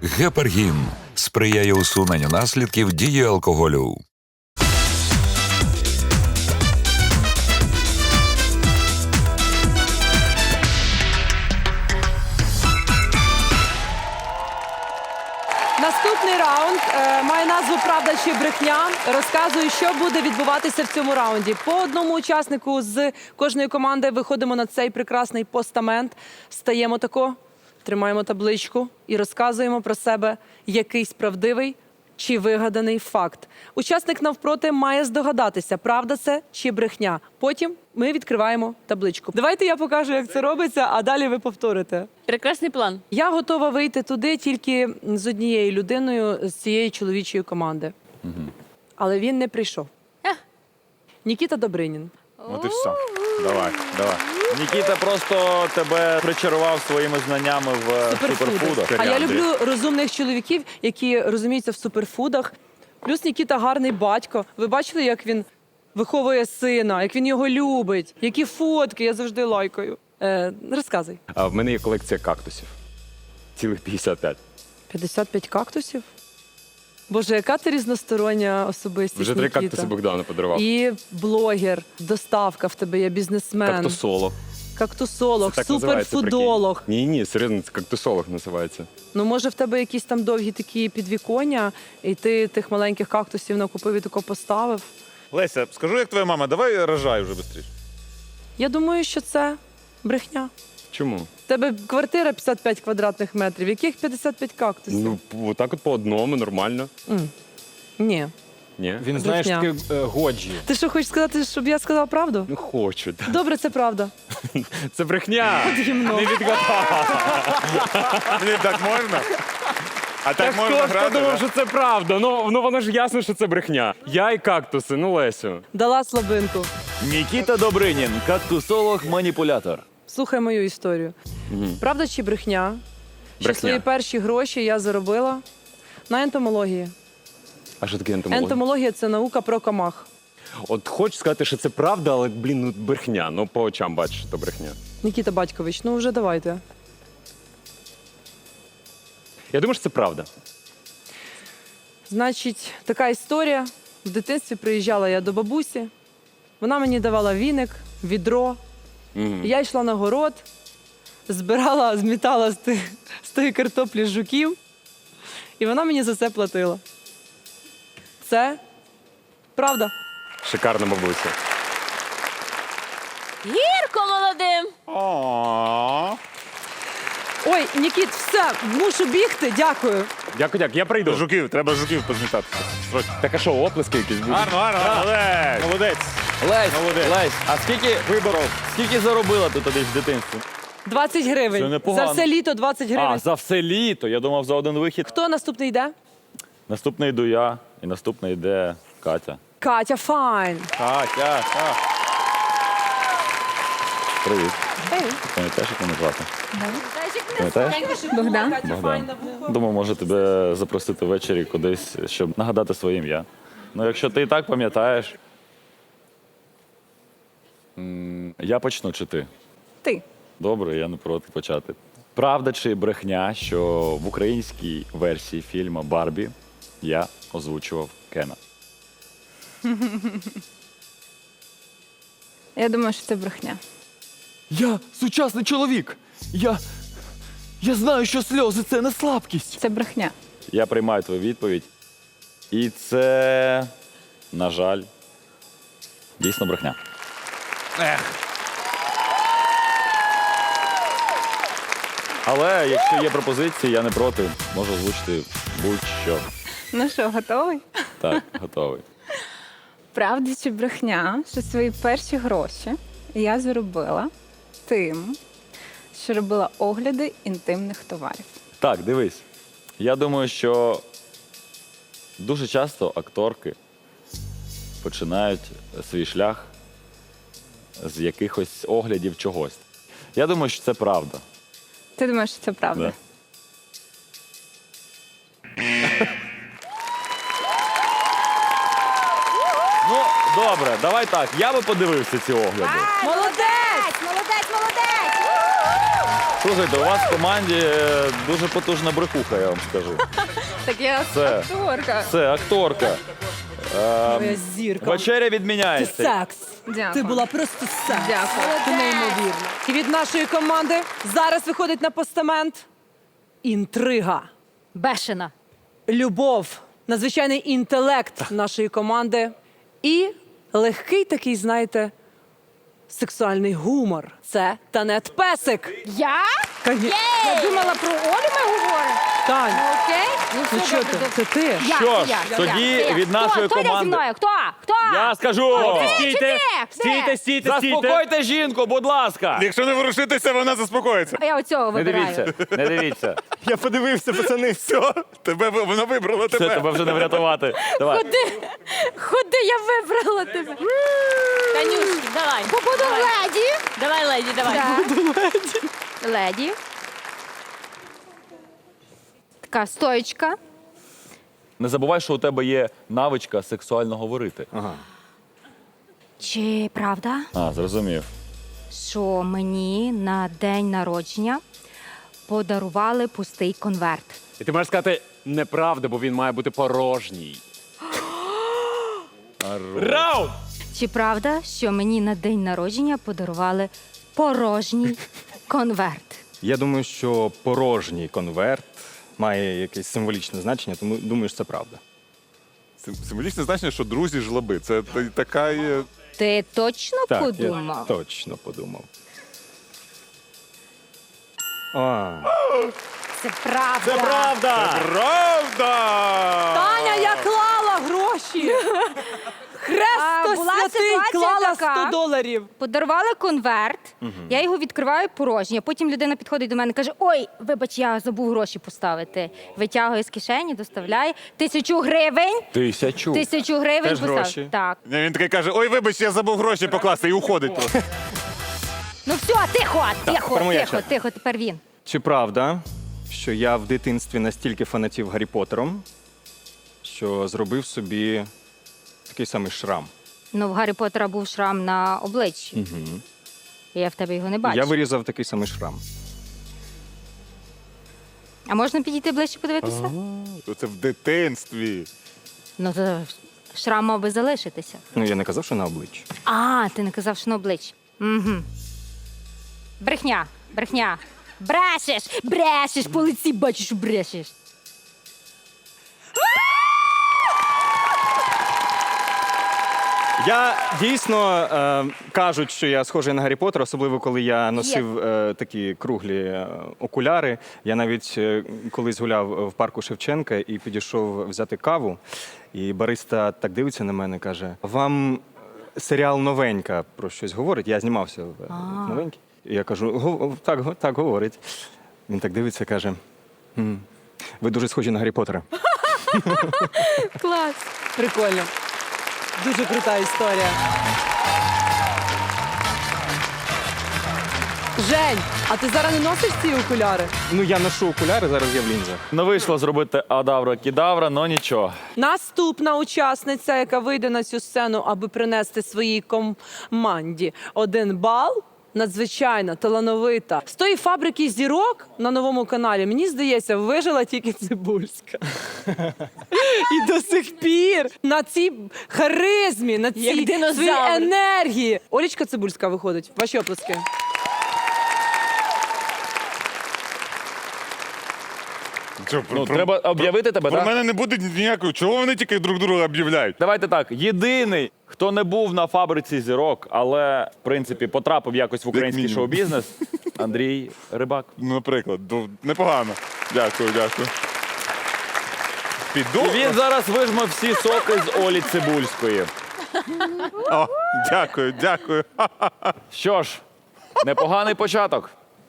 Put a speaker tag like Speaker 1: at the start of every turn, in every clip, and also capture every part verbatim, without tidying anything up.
Speaker 1: Гепаргін сприяє усуненню наслідків дії алкоголю.
Speaker 2: Наступний раунд е, має назву «Правда чи брехня». Розказую, що буде відбуватися в цьому раунді. По одному учаснику з кожної команди виходимо на цей прекрасний постамент, стаємо тако, тримаємо табличку і розказуємо про себе якийсь правдивий чи вигаданий факт. Учасник навпроти має здогадатися, правда це чи брехня. Потім ми відкриваємо табличку. Давайте я покажу, як це робиться, а далі ви повторите.
Speaker 3: Прекрасний план.
Speaker 2: Я готова вийти туди тільки з однією людиною з цієї чоловічої команди. Угу. Але він не прийшов.
Speaker 3: Ех.
Speaker 2: Нікіта Добринін.
Speaker 4: От і все. Давай, давай. Нікіта просто тебе причарував своїми знаннями в суперфудах.
Speaker 2: А я люблю розумних чоловіків, які розуміються в суперфудах. Плюс Нікіта гарний батько. Ви бачили, як він виховує сина, як він його любить? Які фотки, я завжди лайкаю. Е, розказуй.
Speaker 5: А в мене є колекція кактусів. Цілих п'ятдесят п'ять.
Speaker 2: п'ятдесят п'ять кактусів? Боже, яка ти різностороння особистість,
Speaker 5: Вже три
Speaker 2: Нікіта.
Speaker 5: кактуси Богдану подарував.
Speaker 2: І блогер, доставка в тебе є, бізнесмен.
Speaker 5: Кактусолог.
Speaker 2: Кактусолог,
Speaker 5: Це так називається,
Speaker 2: суперфудолог.
Speaker 5: прикинь. Ні, ні, серйозно, це кактусолог називається.
Speaker 2: Ну, може, в тебе якісь там довгі такі підвіконня, і ти тих маленьких кактусів накупив і тако поставив.
Speaker 4: Леся, скажу, як твоя мама, давай рожай вже швидше.
Speaker 2: Я думаю, що це брехня.
Speaker 5: Чому?
Speaker 2: В тебе квартира п'ятдесят п'ять квадратних метрів. Яких п'ятдесят п'ять кактусів?
Speaker 5: Ну, отак от по одному, нормально.
Speaker 2: М. Ні.
Speaker 5: Ні?
Speaker 6: Він, знаєш,
Speaker 2: Брехня.
Speaker 6: такий е, годжі.
Speaker 2: Ти що, хочеш сказати, щоб я сказала правду?
Speaker 5: Ну, хочу. так.
Speaker 2: Добре, це правда.
Speaker 5: Це брехня.
Speaker 2: Гімно.
Speaker 5: Не відгадав.
Speaker 4: Блін, так можна? А так
Speaker 5: Так
Speaker 4: можна
Speaker 5: хто ж
Speaker 4: грати?
Speaker 5: подумав,
Speaker 4: да?
Speaker 5: що це правда? Ну, ну воно ж ясно, що це брехня. Я і кактуси, ну Лесю.
Speaker 2: Дала слабинку.
Speaker 4: Нікіта Добринін, кактусолог-маніпулятор.
Speaker 2: Слухай мою історію. Правда чи брехня? Що
Speaker 5: Брехня.
Speaker 2: свої перші гроші я заробила на ентомології.
Speaker 5: А що таке ентомологія?
Speaker 2: Ентомологія – це наука про комах.
Speaker 5: От хочу сказати, що це правда, але, блін, ну брехня. Ну, по очам бачиш, що це брехня.
Speaker 2: Нікіта Батькович, ну вже давайте.
Speaker 5: Я думаю, що це правда.
Speaker 2: Значить, така історія. В дитинстві приїжджала я до бабусі. Вона мені давала віник, відро.
Speaker 5: Мгм.
Speaker 2: Я йшла на город, збирала, змітала з, тих, з тої картоплі жуків. І вона мені за це платила. Це правда.
Speaker 5: Шикарна бабуся.
Speaker 3: Гірко молодим.
Speaker 4: О,
Speaker 2: Ой, Нікіт, все, мушу бігти, дякую.
Speaker 5: Дякую, дякую. Я прийду.
Speaker 4: жуків, треба жуків позмітати. Срочно.
Speaker 5: Так а що, оплески якісь будуть?
Speaker 4: Гарно, гарно, молодець. Молодець.
Speaker 7: Лесь,
Speaker 4: Молодець.
Speaker 7: Лесь, а скільки виборов? Скільки заробила ти тоді в дитинстві?
Speaker 2: двадцять
Speaker 4: Це
Speaker 2: гривень.
Speaker 4: непогано.
Speaker 2: За все літо двадцять
Speaker 7: А,
Speaker 2: гривень.
Speaker 7: за все літо. Я думав, за один вихід.
Speaker 2: Хто наступний йде?
Speaker 7: Наступний йду я, і наступний йде Катя.
Speaker 2: Катя, файн.
Speaker 4: Катя, а.
Speaker 7: Привіт.
Speaker 2: Ей.
Speaker 7: Пам'ятаєш, як мене звати? Пам'ятаєш?
Speaker 3: Богдан.
Speaker 7: Богдан. Думав, може тебе запросити ввечері кудись, щоб нагадати своє ім'я. Ну, якщо ти і так пам'ятаєш, м, я почну чи ти?
Speaker 3: Ти.
Speaker 7: Добре, я не проти почати. Правда чи брехня, що в українській версії фільму «Барбі» я озвучував Кена?
Speaker 8: Я думаю, що це брехня.
Speaker 6: Я сучасний чоловік. Я. Я знаю, що сльози це не слабкість.
Speaker 8: Це брехня.
Speaker 7: Я приймаю твою відповідь. І це, на жаль, дійсно брехня. Але якщо є пропозиції, я не проти. Можу озвучити будь-що.
Speaker 8: Ну що, готовий?
Speaker 7: Так, готовий.
Speaker 8: Правда чи брехня, що свої перші гроші я заробила тим, що робила огляди інтимних товарів.
Speaker 7: Так, дивись. Я думаю, що дуже часто акторки починають свій шлях з якихось оглядів чогось. Я думаю, що це правда.
Speaker 8: Ти думаєш, що це правда?
Speaker 7: Да. Ну, Добре, давай так. Я би подивився ці огляди.
Speaker 2: Молодець!
Speaker 9: Молодець, молодець!
Speaker 7: Слухайте, у вас в команді е, дуже потужна брехуха, я вам скажу.
Speaker 8: Так я
Speaker 7: Це.
Speaker 8: акторка.
Speaker 7: Це акторка.
Speaker 2: Твоя зірка.
Speaker 7: Вечеря
Speaker 2: Ти
Speaker 7: відміняється.
Speaker 2: секс.
Speaker 8: Дякую.
Speaker 2: Ти була просто секс.
Speaker 8: Дякую.
Speaker 2: Ти неймовірна. І від нашої команди зараз виходить на постамент інтрига,
Speaker 3: Бешена.
Speaker 2: любов, надзвичайний інтелект нашої команди і легкий такий, знаєте, сексуальний гумор. Це Танет Песик.
Speaker 3: Я?
Speaker 2: Конечно.
Speaker 3: Я думала, про Олю ми говоримо.
Speaker 2: Тань,
Speaker 3: Окей? Ну,
Speaker 2: ну
Speaker 3: все
Speaker 2: що
Speaker 3: добре,
Speaker 2: ти?
Speaker 3: добре.
Speaker 2: Це ти.
Speaker 3: Я,
Speaker 7: Що
Speaker 3: це
Speaker 7: ж,
Speaker 3: я, це
Speaker 7: тоді
Speaker 3: я, це я.
Speaker 7: від нашої
Speaker 3: Хто? Хто йде
Speaker 7: команди-
Speaker 3: зі мною? Хто? Хто?
Speaker 7: Я скажу!
Speaker 3: Стійте!
Speaker 5: Стійте, стійте,
Speaker 7: Заспокойте жінку, будь ласка!
Speaker 4: Якщо не ворушитися, вона заспокоїться.
Speaker 3: А я оцього
Speaker 7: Не
Speaker 3: вибираю.
Speaker 7: дивіться, не дивіться.
Speaker 5: Я подивився, пацани.
Speaker 4: Все, тебе ви- вона вибрала
Speaker 7: Все,
Speaker 4: тебе.
Speaker 7: тебе вже не врятувати. Давай.
Speaker 3: Ходи, ходи, я вибрала тебе. Танюшки, давай.
Speaker 9: Буду
Speaker 3: давай.
Speaker 9: леді.
Speaker 3: Давай, леді, давай.
Speaker 9: Да. Леді. Така стоечка.
Speaker 7: Не забувай, що у тебе є навичка сексуально говорити.
Speaker 9: Чи правда,
Speaker 7: А, зрозумів.
Speaker 9: що мені на день народження подарували пустий конверт?
Speaker 5: І ти можеш сказати неправда, бо він має бути порожній. Раунд!
Speaker 9: Чи правда, що мені на день народження подарували порожній конверт?
Speaker 10: Я думаю, що порожній конверт має якесь символічне значення, тому думаю, що це правда.
Speaker 4: Сим- Символічне значення, що друзі жлоби. Це та- така є.
Speaker 9: Ти точно
Speaker 10: Так,
Speaker 9: подумав?
Speaker 10: я точно подумав. А,
Speaker 9: Це правда.
Speaker 5: Це правда!
Speaker 4: Правда!
Speaker 2: Таня, я клала гроші.
Speaker 9: А,
Speaker 2: Хресто
Speaker 9: була
Speaker 2: святий
Speaker 9: ситуація
Speaker 2: клала
Speaker 9: така.
Speaker 2: сто доларів.
Speaker 9: Подарували конверт, я його відкриваю порожній, а потім людина підходить до мене і каже: ой, вибач, я забув гроші поставити. Витягує з кишені, доставляє тисячу гривень.
Speaker 7: Тисячу.
Speaker 9: Тисячу гривень
Speaker 10: Теж
Speaker 9: поставив.
Speaker 10: гроші?
Speaker 9: Так.
Speaker 4: Ні, Він такий каже: ой, вибач, я забув гроші покласти, і уходить просто.
Speaker 9: Ну все, тихо, тихо,
Speaker 10: тепер моя
Speaker 9: тихо,
Speaker 10: черга.
Speaker 9: тихо, тепер він.
Speaker 10: чи правда, що я в дитинстві настільки фанатів Гаррі Поттером, що зробив собі такий самий шрам?
Speaker 9: Ну, в Гаррі Поттера був шрам на обличчі.
Speaker 10: Угу.
Speaker 9: Я в тебе його не бачу.
Speaker 10: Я вирізав такий самий шрам.
Speaker 9: А можна підійти ближче подивитися?
Speaker 4: То Це в дитинстві.
Speaker 9: Ну, то шрам мав би залишитися.
Speaker 10: Ну, я не казав, що на обличчі.
Speaker 9: А, ти не казав, що на обличчі. Угу. Брехня, брехня. Брешеш, брешеш, по лиці бачиш, що брешеш.
Speaker 10: Я дійсно е, кажуть, що я схожий на Гаррі Поттера, особливо коли я носив е, такі круглі е, окуляри. Я навіть е, колись гуляв в парку Шевченка і підійшов взяти каву. І бариста так дивиться на мене, каже: вам серіал Новенька про щось говорить? Я знімався в, в Новенькій. І я кажу: «Го- так, го- так говорить. Він так дивиться, каже: «М, ви дуже схожі на Гаррі Поттера.
Speaker 9: Клас.
Speaker 2: Прикольно. Дуже крута історія. Жень, а ти зараз не носиш ці окуляри?
Speaker 10: Ну, я ношу окуляри, зараз я в лінзах.
Speaker 7: Не вийшло зробити адавра-кідавра, но нічого.
Speaker 2: Наступна учасниця, яка вийде на цю сцену, аби принести своїй команді один бал. Надзвичайно талановита. З тої фабрики зірок на новому каналі, мені здається, вижила тільки Цибульська. І до сих пір на цій харизмі, на
Speaker 3: Як
Speaker 2: цій
Speaker 3: динозавр.
Speaker 2: своїй енергії. Олічка Цибульська виходить. Ваші оплески.
Speaker 4: Що,
Speaker 7: Ну,
Speaker 4: про-
Speaker 7: треба об'явити тебе,
Speaker 4: Про
Speaker 7: так?
Speaker 4: мене не буде ніякого. Чого вони тільки друг друга об'являють?
Speaker 7: Давайте так. Єдиний, хто не був на фабриці зірок, але, в принципі, потрапив якось в український
Speaker 4: мінімум.
Speaker 7: шоу-бізнес, Андрій Рибак.
Speaker 4: Ну, наприклад, до- непогано. Дякую, дякую. Піду.
Speaker 7: І він зараз вижме всі соки з Олі Цибульської.
Speaker 4: О, дякую, дякую.
Speaker 7: Що ж, непоганий початок.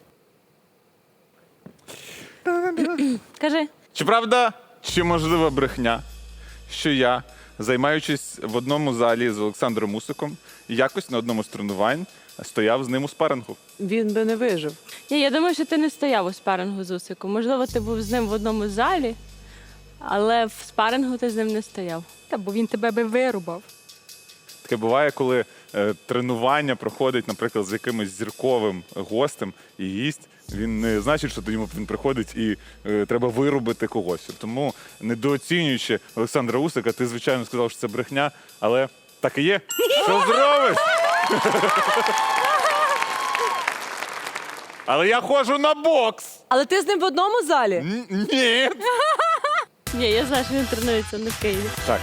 Speaker 3: Кажи.
Speaker 4: Чи правда, чи можлива брехня, що я, займаючись в одному залі з Олександром Мусиком, якось на одному з тренувань стояв з ним у спарингу?
Speaker 2: Він би не вижив.
Speaker 3: Ні, я думаю, що ти не стояв у спарингу з Усиком. Можливо, ти був з ним в одному залі, але в спарингу ти з ним не стояв.
Speaker 9: Та бо він тебе би вирубав.
Speaker 4: Таке буває, коли е, тренування проходить, наприклад, з якимось зірковим гостем, і гість, він не значить, що до нього він приходить і е, треба вирубити когось. Тому, недооцінюючи Олександра Усика, ти, звичайно, сказав, що це брехня, але так і є. Що зробиш? Але я ходжу на бокс.
Speaker 2: Але ти з ним в одному залі?
Speaker 4: Н- Ні.
Speaker 3: Ні, я знаю, що він тренується не в Києві.
Speaker 4: Так.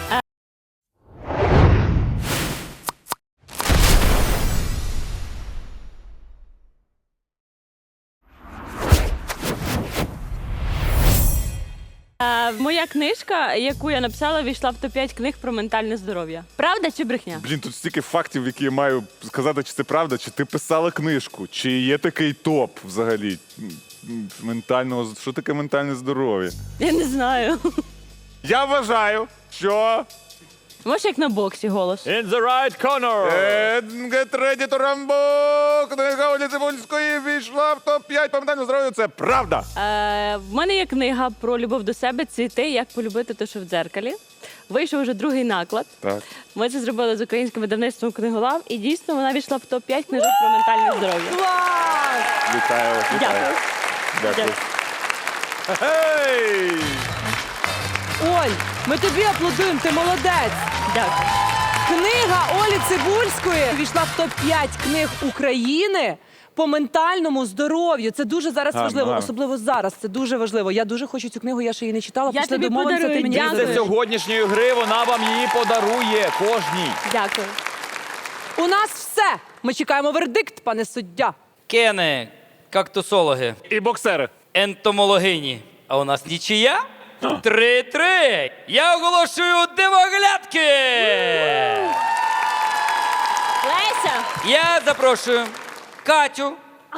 Speaker 3: Е, Моя книжка, яку я написала, війшла в топ п'ять книг про ментальне здоров'я. Правда чи брехня?
Speaker 4: Блін, тут стільки фактів, які я маю сказати, чи це правда, чи ти писала книжку, чи є такий топ взагалі м, ментального, що таке ментальне здоров'я?
Speaker 3: Я не знаю.
Speaker 4: Я вважаю, що
Speaker 3: Може, як на боксі голос.
Speaker 5: In the right corner!
Speaker 4: е, Get ready to Rambo, книга Олі Цибульської війшла в топ п'ять по ментальному здоров'ю. Це правда.
Speaker 3: Е, в мене є книга про любов до себе «Цвіти. Як полюбити те, що в дзеркалі». Вийшов вже другий наклад.
Speaker 4: Так.
Speaker 3: Ми це зробили з українським видавництвом «Книголав», і дійсно вона війшла в топ п'ять книжок про ментальне здоров'я.
Speaker 2: Клас!
Speaker 4: Вітаю вас, вітаю.
Speaker 3: Дякую.
Speaker 4: Дякую.
Speaker 3: Дякую.
Speaker 4: Гей!
Speaker 2: Оль, ми тобі аплодуємо, ти молодець.
Speaker 3: Дякую.
Speaker 2: Книга Олі Цибульської війшла в топ п'ять книг України по ментальному здоров'ю. Це дуже зараз
Speaker 4: Гарно,
Speaker 2: важливо,
Speaker 4: гарно.
Speaker 2: особливо зараз. Це дуже важливо. Я дуже хочу цю книгу, я ще її не читала.
Speaker 3: Я
Speaker 2: Після
Speaker 3: тобі
Speaker 2: домовимося, ти
Speaker 3: подарую.
Speaker 2: мені
Speaker 3: Дякую.
Speaker 5: Після
Speaker 2: подаруєш.
Speaker 5: сьогоднішньої гри вона вам її подарує кожній.
Speaker 3: Дякую.
Speaker 2: У нас все. Ми чекаємо вердикт, пане суддя.
Speaker 11: Кени, кактусологи,
Speaker 4: І боксери.
Speaker 11: ентомологині. А у нас нічия? Три-три. Я оголошую дивоглядки.
Speaker 3: Леся!
Speaker 11: Я запрошую Катю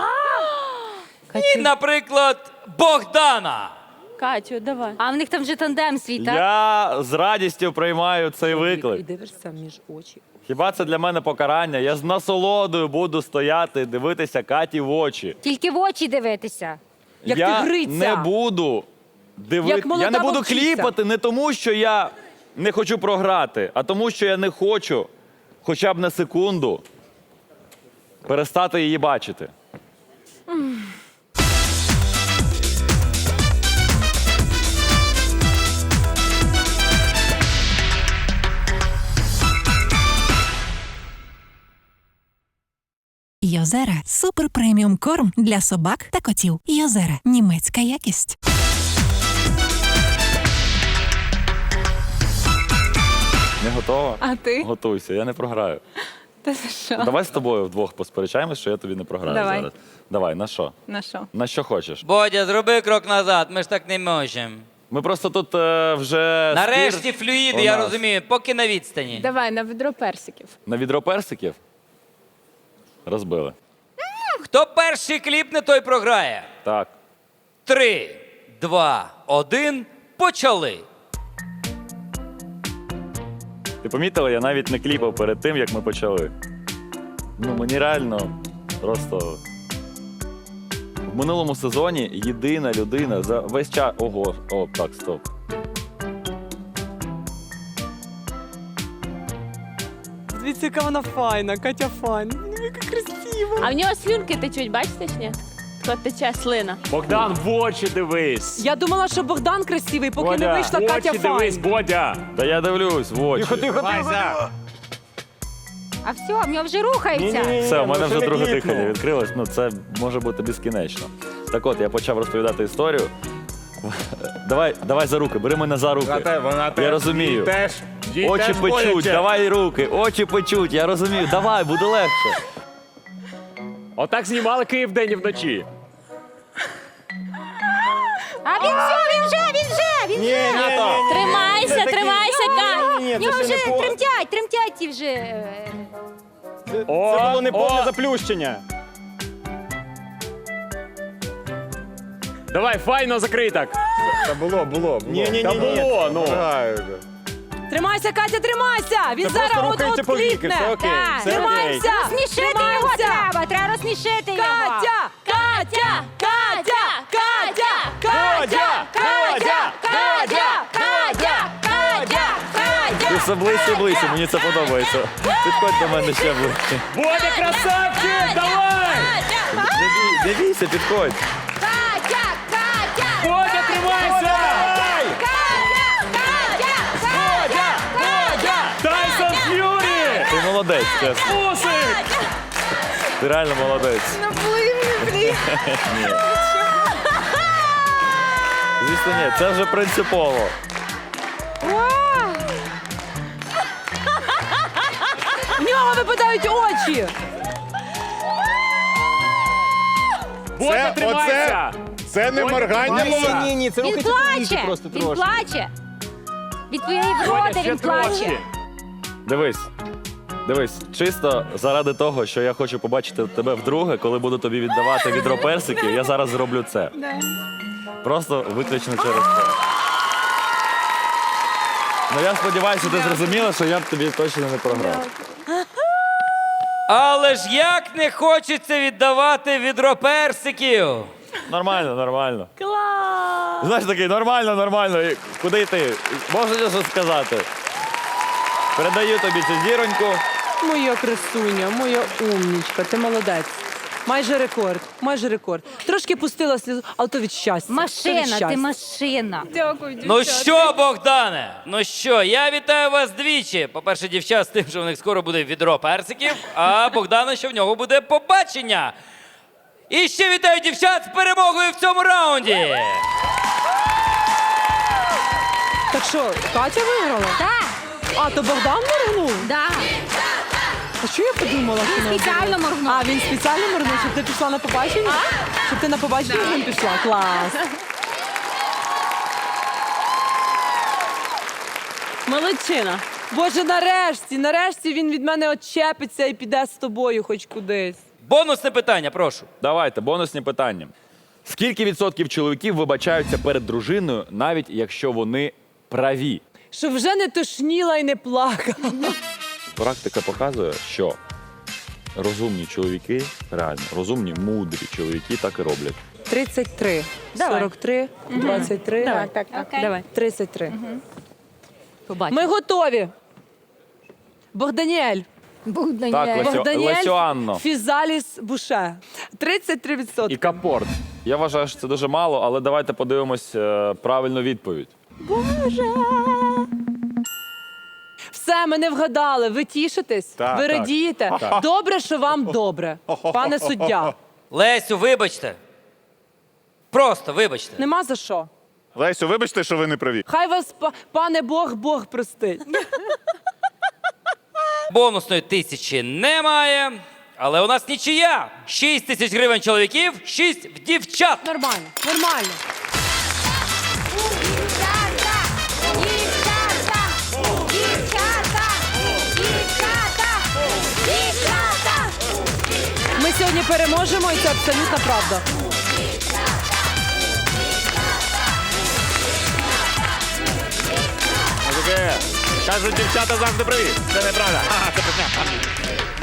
Speaker 11: і, наприклад, Богдана.
Speaker 3: Катю, давай.
Speaker 9: А в них там вже тандем свій, так?
Speaker 5: Я з радістю приймаю цей
Speaker 2: І
Speaker 5: виклик.
Speaker 2: дивишся між очі.
Speaker 5: Хіба це для мене покарання? Я з насолодою буду стояти, дивитися Каті в очі.
Speaker 9: Тільки в очі дивитися.
Speaker 2: Як
Speaker 5: я
Speaker 2: тигриця.
Speaker 5: не буду дивити.
Speaker 2: Як молода
Speaker 5: Я не буду
Speaker 2: вовчиця.
Speaker 5: кліпати не тому, що я не хочу програти, а тому, що я не хочу хоча б на секунду перестати її бачити.
Speaker 12: Йозера – супер преміум корм для собак та котів. Йозера – німецька якість.
Speaker 5: Не готова?
Speaker 8: А ти?
Speaker 5: Готуйся, я не програю.
Speaker 8: Та за що?
Speaker 5: Давай з тобою вдвох посперечаємось, що я тобі не програю
Speaker 8: Давай.
Speaker 5: зараз. Давай, на що?
Speaker 8: На що?
Speaker 5: На що хочеш?
Speaker 11: Бодя, зроби крок назад, ми ж так не можемо.
Speaker 5: Ми просто тут е, вже
Speaker 11: Нарешті
Speaker 5: спір
Speaker 11: флюїди,
Speaker 5: у
Speaker 11: я
Speaker 5: нас.
Speaker 11: розумію, поки на відстані.
Speaker 8: Давай на відро персиків.
Speaker 5: На відро персиків розбили.
Speaker 11: Хто перший кліпне, той програє.
Speaker 5: Так.
Speaker 11: Три, два, один, почали.
Speaker 5: Ти помітила, я навіть не кліпав перед тим, як ми почали. Ну, мені реально просто. В минулому сезоні єдина людина за весь час. Ого, о, так, стоп.
Speaker 2: Дивіться, яка вона файна, Катя файна. Яка красива.
Speaker 3: А в нього слюнки течуть, бачите ж ні? Тако тече слина.
Speaker 5: Богдан, в очі дивись!
Speaker 2: Я думала, що Богдан красивий, поки не вийшла Катя файна.
Speaker 5: Бодя! Та я дивлюсь в очі.
Speaker 10: Тихо, тихо, тихо.
Speaker 9: А все, в нього вже рухається.
Speaker 5: Все, у мене
Speaker 10: ну,
Speaker 5: вже
Speaker 10: це
Speaker 5: друге
Speaker 10: не
Speaker 5: дихання
Speaker 10: кліпну.
Speaker 5: відкрилось. Ну, це може бути безкінечно. Так от, я почав розповідати історію. Давай, давай за руки, бери мене за руки. Я розумію.
Speaker 4: Теж. їй
Speaker 5: Очі
Speaker 4: теж
Speaker 5: печуть,
Speaker 4: боляче.
Speaker 5: давай руки, очі печуть, я розумію. Давай, буде легше. Отак знімали Київ день і вночі.
Speaker 9: А він все, він вже, він вже, він вже.
Speaker 3: Тримайся, тримайся, Кать!
Speaker 10: Ні,
Speaker 9: В нього
Speaker 10: це
Speaker 9: вже
Speaker 10: ще не по...
Speaker 9: тремтять, тремтять ті вже. е,
Speaker 10: Це було не повне заплющення.
Speaker 5: Давай, файно закрий так.
Speaker 4: Та було, було, було.
Speaker 10: Ні, ні, ні,
Speaker 5: Та
Speaker 10: ні.
Speaker 5: було, ну.
Speaker 4: Граю вже.
Speaker 2: Тримайся, Катя, тримайся! Він
Speaker 10: Це
Speaker 2: зараз
Speaker 10: просто
Speaker 2: от
Speaker 10: рухається
Speaker 2: от
Speaker 10: повіки,
Speaker 2: кліпне.
Speaker 10: все окей,
Speaker 9: Так.
Speaker 10: все окей.
Speaker 2: Тримайся!
Speaker 9: Розсмішити його
Speaker 2: Тримайся!
Speaker 9: треба, треба розсмішити його.
Speaker 2: Катя! Катя! Катя! Катя! Катя! Катя! Катя! Катя! Катя! Катя!
Speaker 5: Ти все ближче і ближче, мені це подобається. Підходь до мене ще ближче.
Speaker 6: Бодя, красавчик, давай!
Speaker 5: Не, бій, не бійся, підходь.
Speaker 9: Катя! Катя!
Speaker 6: Бодя, тримайся! Бодя! Бодя! Тайсон Ф'юрі!
Speaker 5: Ти молодець, чесно.
Speaker 6: Усик!
Speaker 5: Ти реально молодець. Ні. Звісно, ні, це вже принципово.
Speaker 2: В нього випадають очі.
Speaker 6: Бодя, тримайся!
Speaker 4: Це не моргання.
Speaker 10: Ні, ні, це
Speaker 9: Він
Speaker 10: рухайте повіки
Speaker 9: плаче!
Speaker 10: просто
Speaker 9: Він
Speaker 10: трошки.
Speaker 9: плаче! Від твоєї вроди він плаче!
Speaker 5: Дивись. Дивись, чисто заради того, що я хочу побачити тебе вдруге, коли буду тобі віддавати відро персиків, я зараз зроблю це. Просто виключно через це. Ну я сподіваюся, ти зрозуміла, що я б тобі точно не програв.
Speaker 11: Але ж як не хочеться віддавати відро персиків.
Speaker 5: Нормально, нормально.
Speaker 3: Клас!
Speaker 5: Знаєш, такий, нормально, нормально. І куди йти? Можеш щось сказати? Передаю тобі цю зіроньку.
Speaker 2: Моя красуня, моя умнічка, ти молодець. Майже рекорд, майже рекорд. Трошки пустила слізу, але то від щастя. Це від
Speaker 9: Машина, ти
Speaker 2: щастя.
Speaker 9: машина.
Speaker 8: Дякую,
Speaker 11: Ну що, Богдане? Ну що, я вітаю вас двічі. По-перше, дівчат з тим, що в них скоро буде відро персиків, а Богдана, що в нього буде побачення. І ще вітаю дівчат з перемогою в цьому раунді.
Speaker 2: Так що, Катя виграла?
Speaker 9: Так,
Speaker 2: А, то Богдан моргнув?
Speaker 9: да.
Speaker 2: А що я подумала? що
Speaker 9: Він
Speaker 2: вона
Speaker 9: спеціально
Speaker 2: буде?
Speaker 9: моргнув.
Speaker 2: А, він спеціально моргнув, щоб ти пішла на побачення? Щоб ти на побачення з ним пішла? Клас.
Speaker 3: Молодчина.
Speaker 2: Боже, нарешті, нарешті він від мене очепиться і піде з тобою хоч кудись.
Speaker 11: Бонусне питання, прошу.
Speaker 5: Давайте, бонусні питання. Скільки відсотків чоловіків вибачаються перед дружиною, навіть якщо вони праві?
Speaker 2: Щоб вже не тошніла і не плакала.
Speaker 5: Практика показує, що розумні чоловіки, реально, розумні, мудрі чоловіки так і роблять.
Speaker 2: тридцять три,
Speaker 3: Давай.
Speaker 2: сорок три, двадцять три,
Speaker 3: Давай, так, так. Давай.
Speaker 2: тридцять три.
Speaker 3: Побачимо.
Speaker 2: Ми готові. Богданіель.
Speaker 9: Був
Speaker 5: Так,
Speaker 9: Даніель.
Speaker 5: Лесю,
Speaker 2: Богданіель
Speaker 5: Лесю Анно.
Speaker 2: Фізаліс Буше. тридцять три відсотки.
Speaker 5: І капорт. Я вважаю, що це дуже мало, але давайте подивимось е, правильну відповідь.
Speaker 2: Все, ми не вгадали. Ви тішитесь?
Speaker 4: Так,
Speaker 2: ви
Speaker 4: так.
Speaker 2: радієте? Добре, що вам добре, пане суддя.
Speaker 11: Лесю, вибачте. Просто вибачте.
Speaker 2: Нема за що.
Speaker 4: Лесю, вибачте, що ви не праві.
Speaker 2: Хай вас, па- пане Бог, Бог простить.
Speaker 11: Бонусної тисячі немає, але у нас нічия. Шість тисяч гривень чоловіків, шість в дівчат.
Speaker 2: Нормально, нормально.
Speaker 9: Дівчата! Дівчата! Дівчата! Дівчата! Дівчата!
Speaker 2: Ми сьогодні переможемо, і це абсолютна правда.
Speaker 4: Кажуть, дівчата завжди праві. Це неправда. Ага, це брехня.